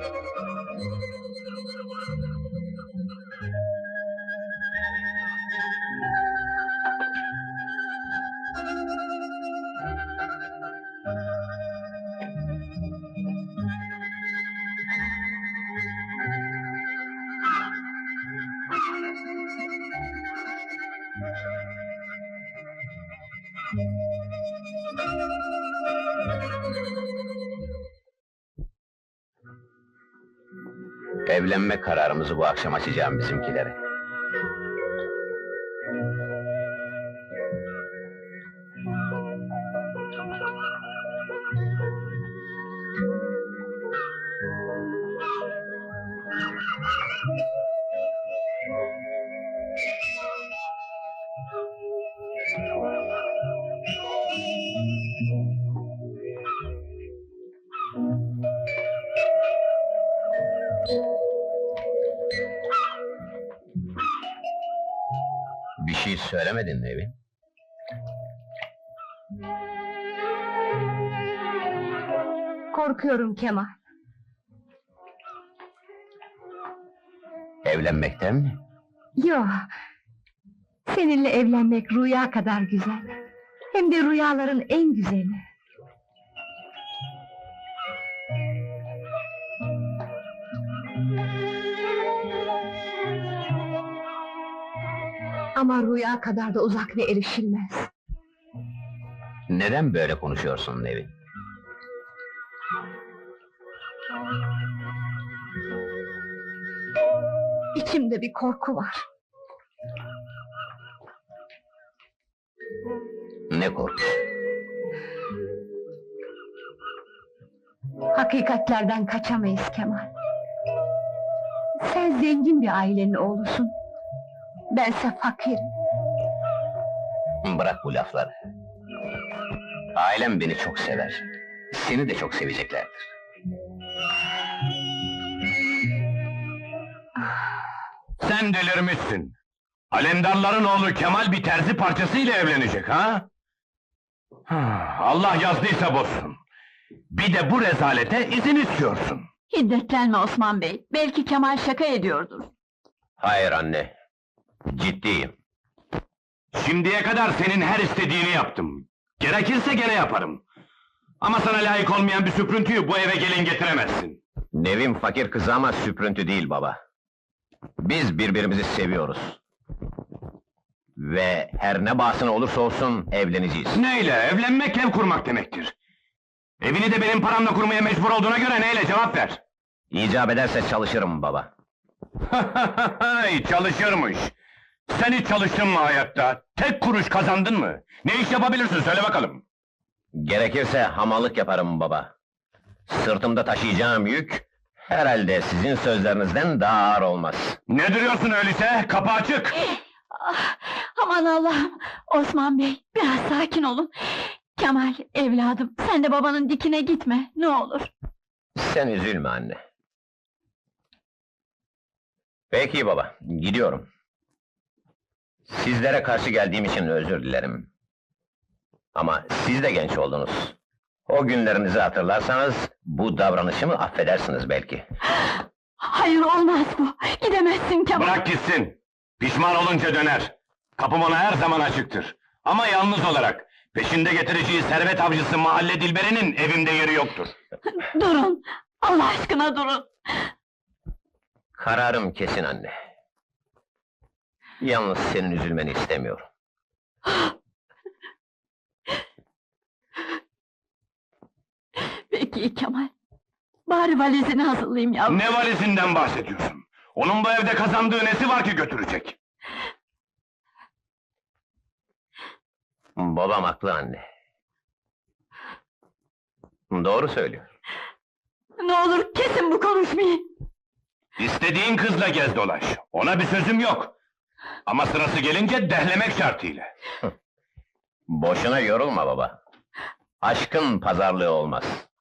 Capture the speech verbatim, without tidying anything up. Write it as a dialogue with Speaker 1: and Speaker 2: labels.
Speaker 1: Evlenme kararımızı bu akşam açacağım bizimkilere. Bir şey söylemedin Nevin?
Speaker 2: Korkuyorum Kemal.
Speaker 1: Evlenmekten mi?
Speaker 2: Yo, seninle evlenmek rüya kadar güzel. Hem de rüyaların en güzeli. Ama rüya kadar da uzak ve erişilmez.
Speaker 1: Neden böyle konuşuyorsun Nevin?
Speaker 2: İçimde bir korku var.
Speaker 1: Ne korkusu?
Speaker 2: Hakikatlerden kaçamayız Kemal. Sen zengin bir ailenin oğlusun. Bense fakirim.
Speaker 1: Bırak bu lafları. Ailem beni çok sever. Seni de çok seveceklerdir.
Speaker 3: Sen delirmişsin! Alemdarların oğlu Kemal bir terzi parçasıyla evlenecek ha? Allah yazdıysa bozsun! Bir de bu rezalete izin istiyorsun!
Speaker 4: Hiddetlenme Osman Bey, belki Kemal şaka ediyordur.
Speaker 1: Hayır anne, ciddiyim.
Speaker 3: Şimdiye kadar senin her istediğini yaptım. Gerekirse gene yaparım. Ama sana layık olmayan bir süprüntüyü bu eve gelin getiremezsin.
Speaker 1: Nevin fakir kızı ama süprüntü değil baba. Biz birbirimizi seviyoruz. Ve her ne bahsına olursa olsun evleneceğiz.
Speaker 3: Neyle? Evlenmek ev kurmak demektir. Evini de benim paramla kurmaya mecbur olduğuna göre neyle, cevap ver!
Speaker 1: İcap ederse çalışırım baba.
Speaker 3: Çalışırmış! Sen hiç çalıştın mı hayatta? Tek kuruş kazandın mı? Ne iş yapabilirsin, söyle bakalım!
Speaker 1: Gerekirse hamallık yaparım baba. Sırtımda taşıyacağım yük, herhalde sizin sözlerinizden daha ağır olmaz.
Speaker 3: Ne duruyorsun öyleyse? Kapı açık!
Speaker 4: Ah, aman Allah'ım! Osman Bey, biraz sakin olun. Kemal, evladım, sen de babanın dikine gitme, ne olur.
Speaker 1: Sen üzülme anne. Peki baba, gidiyorum. Sizlere karşı geldiğim için özür dilerim. Ama siz de genç oldunuz. O günlerinizi hatırlarsanız, bu davranışımı affedersiniz belki.
Speaker 4: Hayır, olmaz bu! Gidemezsin Kemal!
Speaker 3: Bırak gitsin! Pişman olunca döner! Kapım ona her zaman açıktır. Ama yalnız olarak, peşinde getireceği servet avcısı mahalle dilberinin evimde yeri yoktur.
Speaker 4: Durun! Allah aşkına durun!
Speaker 1: Kararım kesin anne. Yalnız senin üzülmeni istemiyorum.
Speaker 4: Peki Kemal, bari valizini hazırlayayım yavrum.
Speaker 3: Ne valizinden bahsediyorsun? Onun bu evde kazandığı nesi var ki götürecek?
Speaker 1: Babam haklı anne. Doğru söylüyor.
Speaker 4: Ne olur kesin bu konuşmayı!
Speaker 3: İstediğin kızla gez dolaş, ona bir sözüm yok. Ama sırası gelince dehlemek şartıyla.
Speaker 1: Boşuna yorulma baba. Aşkın pazarlığı olmaz.